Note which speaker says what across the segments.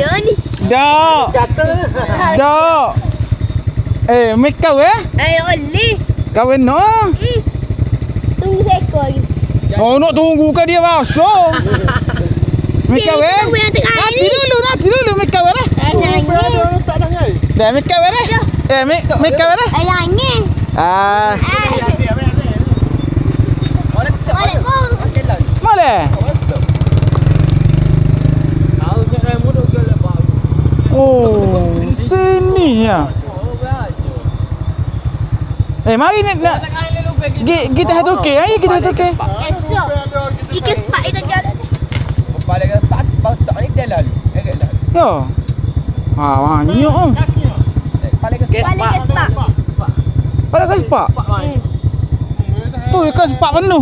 Speaker 1: Ya ni.
Speaker 2: Dak. Dak. Mek kau
Speaker 1: Oleh.
Speaker 2: Kahwin no.
Speaker 1: Tunggu seekor lagi.
Speaker 2: Oh, nak tunggu ke dia masuk. Mek kau
Speaker 1: Tunggu yang tengah ni.
Speaker 2: Nanti dulu mek kau
Speaker 3: Tak nangis.
Speaker 2: Dah mek kau mek kau
Speaker 1: Ayah ni.
Speaker 2: Ah,
Speaker 1: Balik pun.
Speaker 2: mana? Oh, sini ya. Mari nak kita satu ke, ayo kita satu ke.
Speaker 1: Esok. Ikan sepak itu jalan.
Speaker 2: Yo. Banyak oh.
Speaker 1: Balik ke sepak.
Speaker 2: Pada ke sepak? Tu ikan sepak penuh.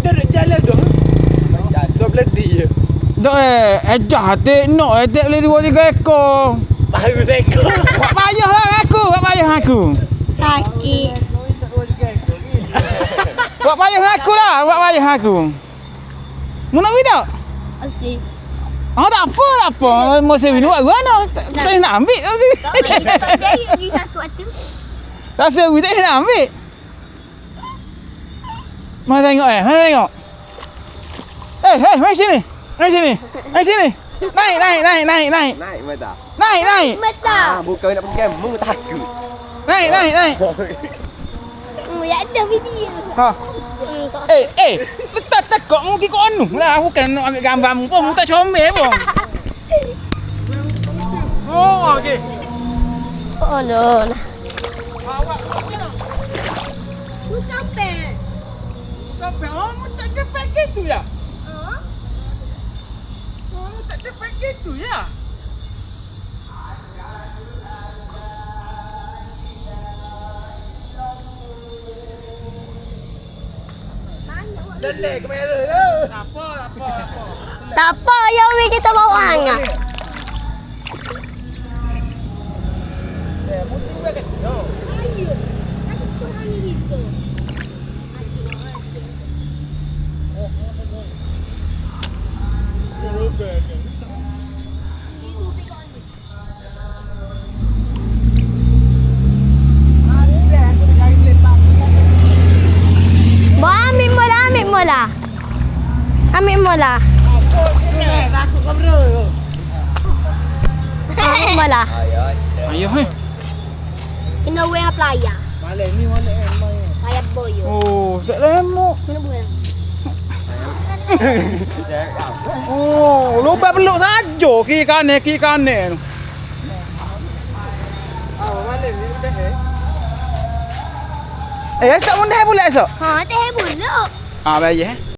Speaker 2: Dak ejah hati nak boleh 2-3 ekor.
Speaker 3: Baru seekor.
Speaker 2: Buat payah aku.
Speaker 1: Sakit.
Speaker 2: Buat payah aku. Mu nak pergi tak?
Speaker 1: Asyik.
Speaker 2: Tak apa. Masa minum buat guna. Tak nak ambil tu.
Speaker 1: Tak jadi satu tu.
Speaker 2: Rasa we tak nak ambil. Mana tengok mana tengok. Mari sini. Naik.
Speaker 3: Naik mata.
Speaker 2: Naik.
Speaker 1: Mata.
Speaker 3: Bukan nak pergi kamu takut.
Speaker 2: Naik.
Speaker 1: Ya ada video.
Speaker 2: Ha. Letak tekok mu ki kono lah. Bukan nak ambil gambar mu pun. Mu tak comel pun. Oh, okey.
Speaker 1: Oh no.
Speaker 2: Awak.
Speaker 1: Bukan pen.
Speaker 2: Oh, mu tak dapat gitu ya?
Speaker 1: Oh.
Speaker 2: Oh, tak dapat gitu ya?
Speaker 3: Selek kamera tu.
Speaker 2: Apa?
Speaker 1: Tak apa, yang ni kita bawa hangat. Ayo. Aku tu hang gitu. Ambil mola.
Speaker 3: Takut kamera.
Speaker 1: Ambil mola.
Speaker 2: Ayah
Speaker 1: Kena wear pelaya.
Speaker 3: Malam ni
Speaker 1: Pelaya boyo.
Speaker 2: Oh, tak lemok.
Speaker 1: Kena wear.
Speaker 2: Oh, lupa peluk saja kiri kanan.
Speaker 3: malam ni dah
Speaker 2: Esok pun dah pula esok.
Speaker 1: Ha, teh buluk.
Speaker 2: Baik.